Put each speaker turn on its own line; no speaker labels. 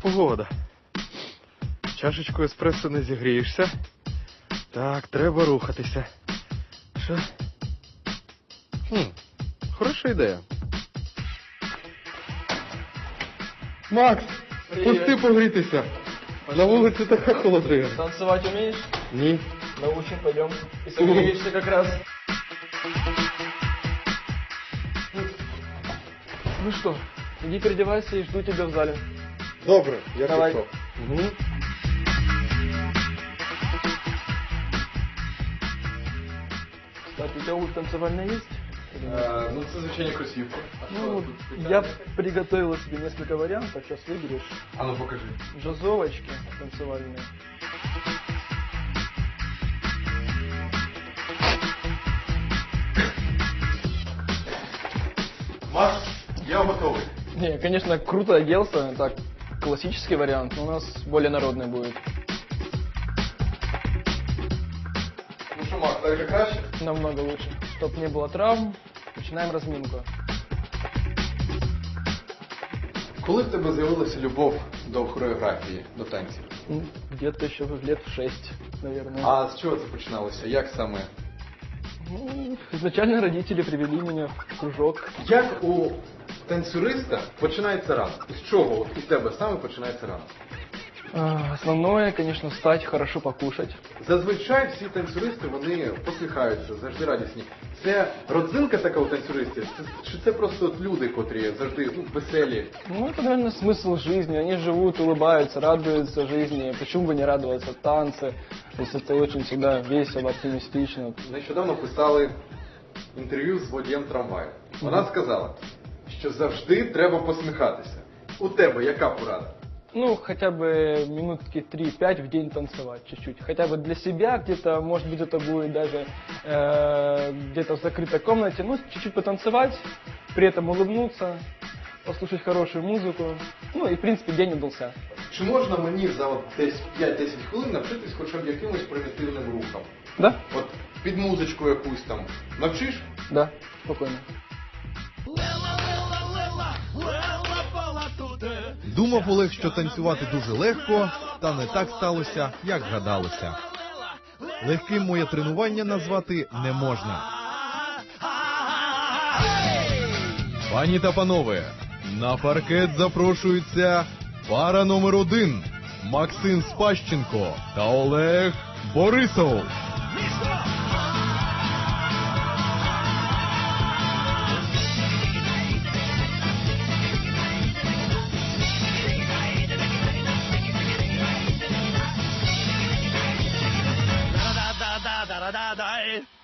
погода. Чашечку еспресо не зігрієшся. Так, треба рухатися. Що? Хороша ідея. Макс, пусти погрітися. На вулиці така холодрига.
Танцевать умеешь?
Ні.
Научим, пойдем. И согреешься как раз. Ну что, иди переодевайся и жду тебя в зале.
Добре, я
Давай.
пішов.
Кстати, у тебя обувь танцевальная есть?
Ну, це звичайні кросівки.
Ну, я приготовила себе несколько вариантов, сейчас выберешь.
А ну покажи.
Джазовочки танцевальные.
Макс, я готовий.
Не, конечно, круто оделся, так, классический вариант, но у нас более народный будет.
Ну що, Макс, так же краще?
Намного лучше. Чтоб не было травм, начинаем разминку.
Коли в тебе з'явилася любов до хореографії, до танців?
Ну, где-то еще лет в 6, наверное.
А з чого це починалося? Як саме?
Ну, изначально родители привели меня в кружок.
Як у танцюриста починається ранок? З чого от у тебе саме починається ранок?
Основное, конечно, встать, хорошо покушать.
Зазвичай всі танцюристи, вони посміхаються, завжди радісні. Це родзинка така у танцюристів? Чи це просто от люди, котрі завжди веселі?
Ну, это, наверное, смысл жизни. Они живут, улыбаются, радуются жизни. Почему бы не радоваться танцы? То есть это очень всегда весело, оптимистично.
Нещодавно писали інтерв'ю з водієм трамваю. Вона сказала, що завжди треба посміхатися. У тебе яка порада?
Ну, хотя бы минутки 3-5 в день танцевать чуть-чуть. Хотя бы для себя где-то, может быть, это будет даже где-то в закрытой комнате. Ну, чуть-чуть потанцевать, при этом улыбнуться, послушать хорошую музыку. Ну, и, в принципе, день удался.
Чи можна мені за от десь 5-10 хвилин навчитись хоча б якимось примітивним рухам?
Да?
От під музичку якусь там. Навчиш?
Да, спокойно.
Думав Олег, що танцювати дуже легко, та не так сталося, як гадалося. Легким моє тренування назвати не можна. Пані та панове, на паркет запрошується пара номер 1 Максим Спащенко та Олег Борисов.
da da da da da da